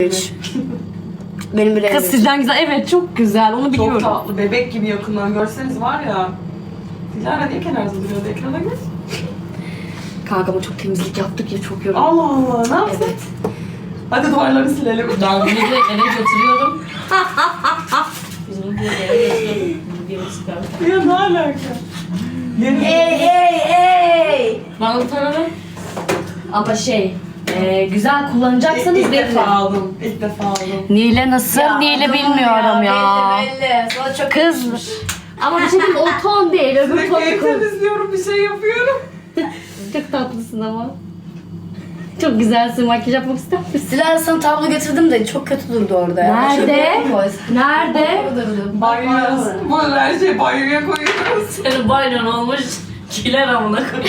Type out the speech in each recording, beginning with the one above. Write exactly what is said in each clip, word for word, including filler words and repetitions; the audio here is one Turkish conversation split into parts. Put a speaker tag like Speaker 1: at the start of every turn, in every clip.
Speaker 1: Benim bile
Speaker 2: Kız sizden güzel. Evet çok güzel. Onu biliyorum.
Speaker 3: Çok tatlı. Bebek gibi yakından görseniz var ya. Dilara niye kenarda duruyordu? Ekrana göz.
Speaker 2: Kanka ama çok temizlik yaptık ya çok yoruldum.
Speaker 3: Allah Allah. Ne yapsak?
Speaker 2: Evet.
Speaker 3: Hadi duvarları silelim.
Speaker 4: Ben bunu da eve götürüyorum. Biz bunu direkt eve götürüyorum. Bir yere çıkardık.
Speaker 3: Ya ne alaka? Yeni
Speaker 1: Ey ey ey.
Speaker 4: Bana bir tane ver.
Speaker 2: Ama şey e, güzel kullanacaksanız
Speaker 3: İlk
Speaker 2: verin.
Speaker 3: defa aldım. İlk defa aldım.
Speaker 2: Nile nasıl? Nile
Speaker 1: adamım
Speaker 2: bilmiyorum ya.
Speaker 1: Belli belli. Sonra çok
Speaker 2: Kız. Ama bir şey diyeyim, o ton değil. Öbür
Speaker 3: Sürekli
Speaker 2: ton
Speaker 3: ev
Speaker 2: kız.
Speaker 3: temizliyorum, bir şey yapıyorum.
Speaker 2: Çok tatlısın ama. Çok güzelsin. Makyaj yapmak ister misin?
Speaker 1: Dilara sana tablo getirdim de çok kötü durdu orada ya.
Speaker 2: Nerede? Nerede?
Speaker 3: Banyoya, bu her şeyi banyoya koyuyoruz.
Speaker 4: Senin banyon olmuş. Kiler amına koyayım.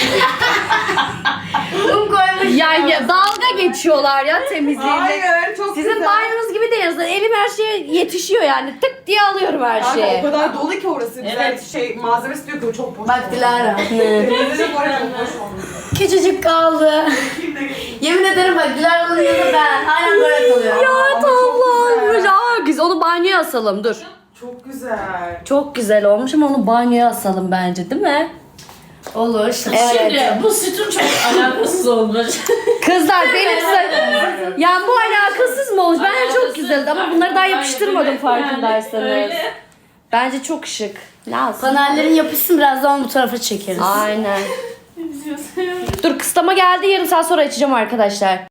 Speaker 1: Kum koymuş.
Speaker 2: Ya, ya dalga geçiyorlar ya temizliğinde.
Speaker 3: Hayır, çok
Speaker 2: Sizin
Speaker 3: güzel.
Speaker 2: banyonuz gibi değil. Zaten elim her şeye yetişiyor yani. Tık diye alıyorum her
Speaker 3: Kanka
Speaker 2: şeyi.
Speaker 3: o kadar dolu ki orası güzel
Speaker 4: Evet.
Speaker 3: şey malzemesi diyor ki o çok boş.
Speaker 1: Bak Dilara.
Speaker 3: Temizlik oraya çok boş olmuş.
Speaker 1: Küçücük kaldı. Yemin ederim bak Dilara'nın yanında ben. Aynen böyle kalıyor.
Speaker 2: Ya tablo olmuş. Aa, güzel. Onu banyoya asalım dur.
Speaker 3: Çok güzel.
Speaker 2: Çok güzel olmuş ama onu banyoya asalım bence değil mi?
Speaker 1: Olur işte.
Speaker 4: Şimdi bu sütun çok alakasız olmuş.
Speaker 2: Kızlar benim size... Yani bu alakasız mı olmuş? Bence çok güzeldi ama bunları daha yapıştırmadım farkındaysanız.
Speaker 4: Öyle.
Speaker 2: Bence çok şık. Lazım.
Speaker 1: Panellerin yapışsın birazdan bu tarafa çekeriz.
Speaker 2: Aynen. Dur kıslama geldi, yarım saat sonra açacağım arkadaşlar.